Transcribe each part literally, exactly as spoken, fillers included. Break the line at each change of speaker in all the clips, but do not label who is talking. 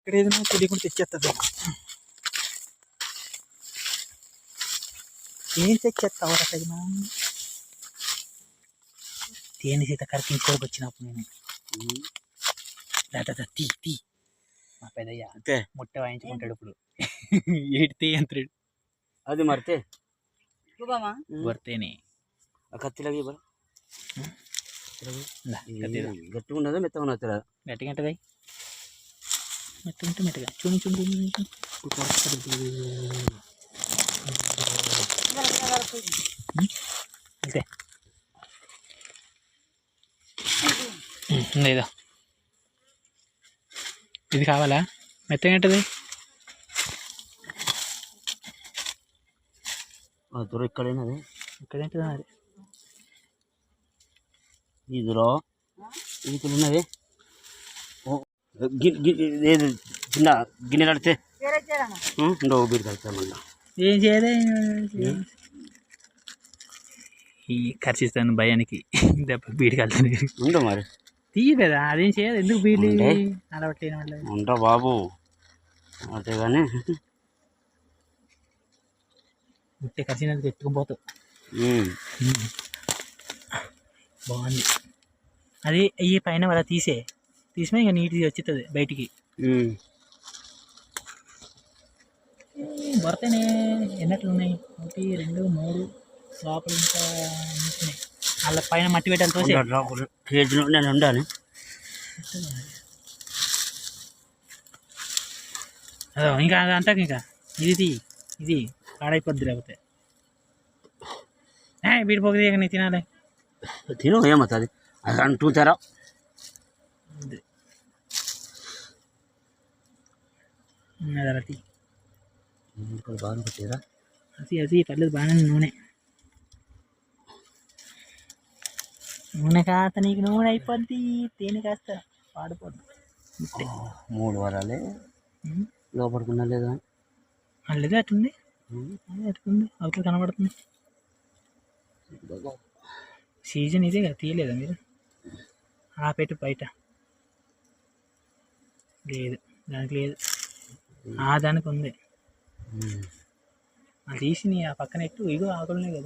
ఇక్కడ ఏదైనా తెలియకుండా తెచ్చేస్తుంది. ఏం తెచ్చేస్తావు తగిన తేనె సీత కరిపించుకోవడానికి వచ్చినప్పుడు నేను దాదా తీ తీ మా పెద్దయ్య అంతే ముట్ట వాయించుకుంటాడు ఇప్పుడు. ఏటి తీ అంటాడు
అది మరితే
వర్తేనే
కత్తిలాగి గట్టిగా ఉన్నదా మెత్తగా ఉన్నది
గట్టిగా ఉంటుందా మెత్తగా ఉంటే మెత్తగా చూని చూని అంతే ఇదో ఇది కావాలా మెత్తగా ఉంటుంది
దూర ఇక్కడేనది
ఇక్కడేంటిది అది
ఇదిలో ఇది ఉన్నది ఏది చిన్న గిన్నె కడితే ఉండో బీరు కలుతా మళ్ళీ
ఏం చేయలే ఈ ఖర్చిస్తాను భయానికి దెబ్బ బీడి కలుతాను
ఉండవు మరి
తీయలేదా అదేం చేయదు ఎందుకు బీడి అలవాట్లేని వాళ్ళు
ఉంటా బాబు అంతే కానీ
ముట్టే ఖర్చినందుకు ఎత్తుకుపోతావు. బాగుంది అది ఈ పైన వాళ్ళ తీసే తీసినా ఇక నీట్గా వచ్చేస్తుంది బయటికి. భర్తనే ఎన్నట్లు ఉన్నాయి ఒకటి రెండు మూడు లోపల ఇంకా ఉన్నాయి వాళ్ళ పైన మట్టి పెట్టాలి తోసే
కేజీలో నేను ఉండాలి.
అదో ఇంకా అంతా ఇంకా ఇది ఇది పాడైపోద్ది లేకపోతే వీడి పోగది నీ తినాలి
తిను ఏమవుతుంది అది అంటుంటారా
అది
బాగా పెట్టారా
అది అది పర్లేదు బాగానే నూనె నూనె కాస్త నీకు నూనె అయిపోద్ది తేనె కాస్త పాడిపోద్ది.
మూడు వారాలే లోపడుకున్నా లేదా
అల్లదే అట్టుంది అట్టుంది అవతల కనబడుతుంది. సీజన్ ఇదే కదా తీయలేదా మీరు ఆ పెట్టు బయట లేదు దానికి లేదు ఆ దానికి ఉంది అది తీసి నీ ఆ పక్కన ఎట్టు ఇగో ఆకులున్నాయి కదా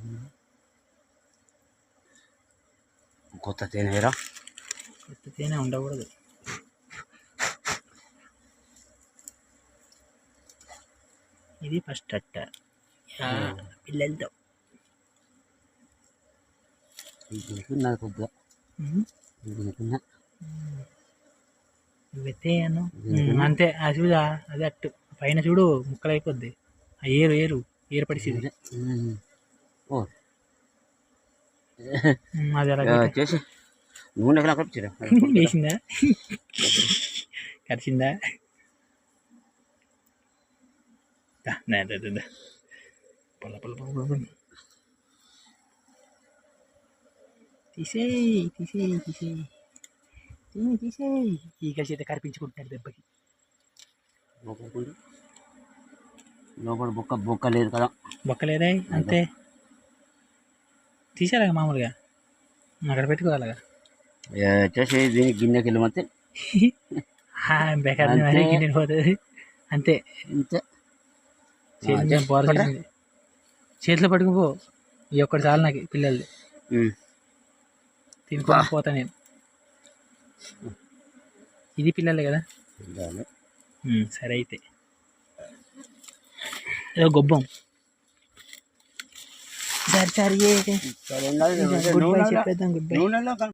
కొత్త తేనెరా
కొత్త తేనె ఉండకూడదు. ఇది ఫస్ట్ అట్ట పిల్లలతో వెత్తేయను అంతే అది చూడా అది అట్టు పైన చూడు ముక్కలు అయిపోద్ది ఆ ఏరు ఏరు ఏరు పడిసింది అది అలా
చేసి నూనె
వేసిందా కరిచిందా పొల పొల పొల తీసేయి తీసేయి తీసేయి తీసి తీసేయి ఈ కలిసి అయితే కరిపించుకుంటున్నాడు దెబ్బకి.
లోపల బొక్క బొక్క లేదు కదా
బొక్క లేదే అంతే తీసేలాగా మామూలుగా అక్కడ పెట్టుకోవాలగా
చేసి దీనికి గిన్నెకి వెళ్ళమంతే
బెకార్ గిన్నె పోతుంది అంతే
అంతే
బోర చేతిలో పట్టుకుపో ఈ ఒక్కటి చాలు నాకు పిల్లలది తినుకొని పోతా నేను. ఇది పిల్లలే కదా సరే అయితే ఏదో గొబ్బం సరే సరే గుడ్ బై చెప్పేద్దాం గుడ్ బై.